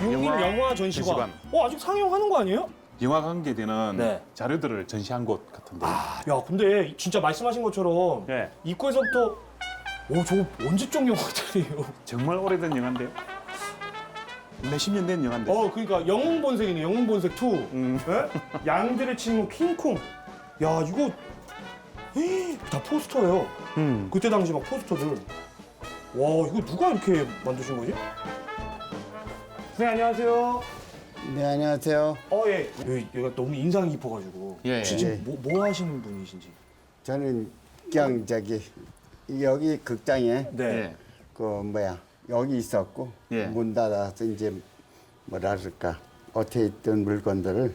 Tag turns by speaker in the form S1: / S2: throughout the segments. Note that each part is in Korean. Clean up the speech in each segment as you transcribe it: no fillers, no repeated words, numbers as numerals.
S1: 육림 영화 전시관. 아직 상영하는 거 아니에요?
S2: 영화 관계되는
S1: 네.
S2: 자료들을 전시한 곳 같은데.
S1: 야, 근데 진짜 말씀하신 것처럼
S2: 네.
S1: 입구에서부터 저 언제적 영화들이에요?
S2: 정말 오래된 영화인데요. 몇십 년 된 영화인데.
S1: 그러니까 영웅본색이네, 영웅본색 2. 네? 양들의 친구 킹콩. 야, 이거 다 포스터예요. 그때 당시 막 포스터들. 와, 이거 누가 이렇게 만드신 거지? 선생님, 안녕하세요.
S3: 네, 안녕하세요.
S1: 예. 여기가 너무 인상 깊어가지고.
S2: 예, 예.
S1: 지금 뭐 하시는 분이신지.
S3: 저는 그냥 여기 극장에
S1: 네.
S3: 여기 있었고
S2: 예.
S3: 문 닫아서 이제 뭐랄까 어떻게 있던 물건들을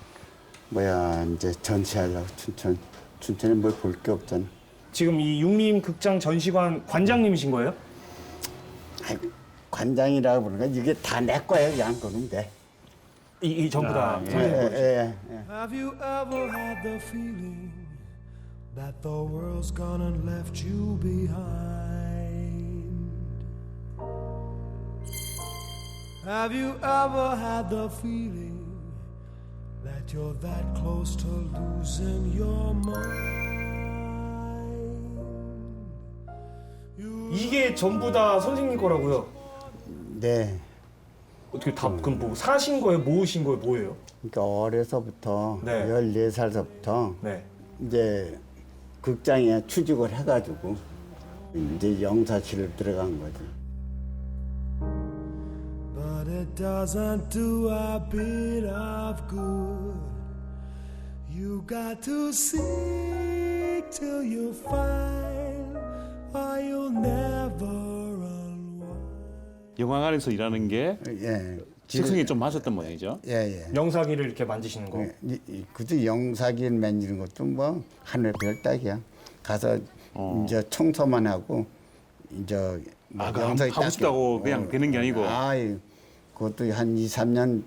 S3: 이제 전시하려고 춘천에 뭘 볼 게 없잖아.
S1: 지금 이 육림극장 전시관 관장님이신 거예요?
S3: 아이, 관장이라고 부르는 건 이게 다 내 거예요. 그냥 그러면 돼.
S1: 이 전부 다
S2: 예.
S1: 선생님 거죠?
S3: 예.
S4: Have you ever had the feeling that the world's gone and left you behind? Have you ever had the feeling that you're that close to losing your mind?
S1: 이게 전부 다 선생님 거라고요?
S3: 네.
S1: 어떻게 다 그럼 뭐 사신 거예요? 모으신 거예요? 뭐예요?
S3: 그러니까 어려서부터
S1: 네.
S3: 14살서부터
S1: 네.
S3: 이제 극장에 취직을 해가지고 이제 영사실을 들어간 거지.
S4: But it doesn't do a bit of good. You got to seek till you find, or you'll never unwind.
S2: 영화관에서 일하는 게
S3: 예.
S2: 식성이 좀 맞았던 모양이죠.
S3: 예.
S1: 영사기를 이렇게 만드시는 거.
S3: 그저 영사기를 만지는 것도 뭐 하늘 별 따기야. 가서 이제 청소만 하고 이제 뭐 영사기
S2: 하고 싶다고 그냥 되는 게 아니고.
S3: 그것도 한 2, 3년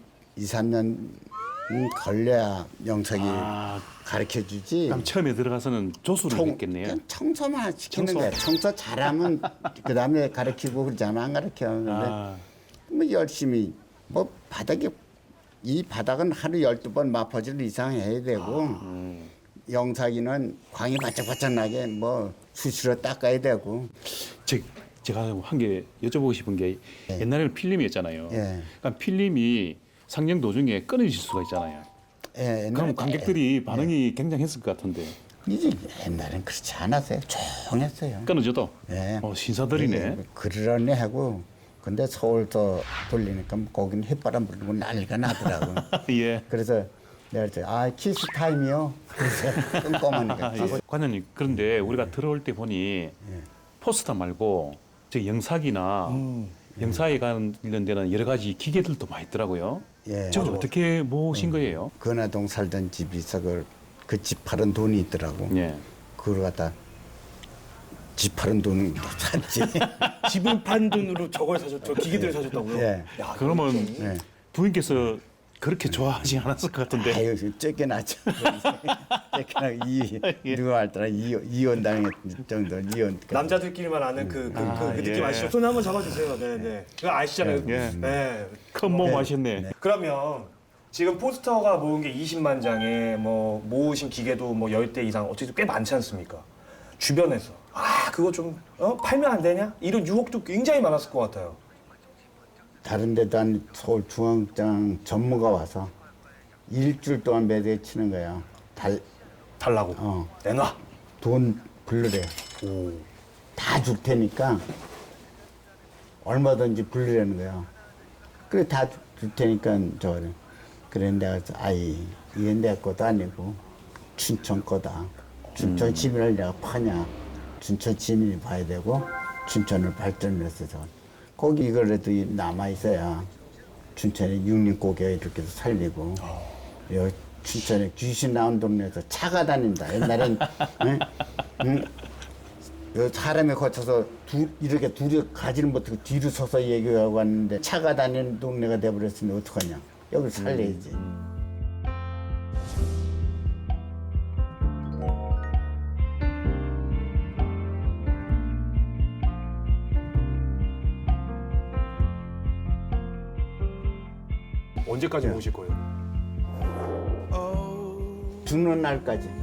S3: 걸려야 영사기 가르쳐 주지.
S2: 그럼 처음에 들어가서는 조수를 했겠네요.
S3: 그냥 청소만 시키는
S2: 청소.
S3: 거야. 청소 잘하면 그 다음에 가르치고 그러잖아. 안 가르쳐. 근데 뭐 열심히 뭐 이 바닥은 하루 12번 마퍼질 이상 해야 되고 영사기는 광이 바짝바짝 나게 뭐 수시로 닦아야 되고.
S2: 제가 한 개 여쭤보고 싶은 게 옛날에는 필름이었잖아요.
S3: 예.
S2: 그러니까 필름이 상영 도중에 끊어질 수가 있잖아요.
S3: 예,
S2: 그럼 관객들이 반응이 굉장했을 것 같은데
S3: 이제 옛날엔 그렇지 않았어요. 조용했어요.
S2: 끊어져도
S3: 예.
S2: 신사들이네.
S3: 그러려니 하고 근데 서울서 돌리니까 거기는 햇바람 불고 난리가 나더라고.
S2: 예.
S3: 그래서 내가 그랬더니 키스 타임이요. 그래서 꼼꼼하니까.
S2: 관장님 그런데 우리가 들어올 때 보니 포스터 말고 저 영사기나 영사에 관련되는 여러 가지 기계들도 많이 있더라고요.
S3: 예.
S2: 저걸 어떻게 모으신 거예요?
S3: 근화동 살던 집이 있어 그 집 팔은 돈이 있더라고.
S2: 예.
S3: 그걸 갖다 집 팔은 돈을 샀지.
S1: 집을 판 돈으로 저걸 사셨죠? 기계들을 사셨다고요?
S3: 예.
S1: 야,
S2: 그러면
S3: 네.
S2: 부인께서 그렇게 좋아하지 않았을 것 같은데.
S3: 아유 쫓겨났죠. 쫓겨나 누가 알더라 이혼 당했 정도 이혼.
S1: 남자들끼리만 아는 그 느낌
S2: 예.
S1: 아시죠? 손 한번 잡아주세요. 네. 그거 아시잖아요.
S2: 예.
S1: 네.
S2: 큰 몸 하셨네.
S1: 그러면 지금 포스터가 모은 게 20만 장에 뭐 모으신 기계도 뭐 10대 이상 어쨌든 꽤 많지 않습니까? 주변에서 그거 좀 팔면 안 되냐? 이런 유혹도 굉장히 많았을 것 같아요.
S3: 다른 데도 한 서울 중앙장 전무가 와서 일주일 동안 매대 치는 거야.
S1: 달라고. 내놔.
S3: 돈 불르래. 다 줄 테니까 얼마든지 불르라는 거야. 그래 다 줄 테니까 저래. 그래 내가 이게 내 것도 아니고 춘천 거다. 춘천 시민을 내가 파냐. 춘천 시민이 봐야 되고 춘천을 발전을 해서 거기 이거라도 남아 있어야 춘천에 육림고개가 이렇게 살리고 여기 춘천에 귀신 나온 동네에서 차가 다닌다. 옛날엔 사람이 거쳐서 이렇게 둘이 가지를 못하고 뒤로 서서 얘기하고 왔는데 차가 다니는 동네가 돼버렸으니 어떡하냐. 여기 살려야지.
S1: 언제까지
S3: 네.
S1: 모실 거예요?
S3: 죽는 날까지.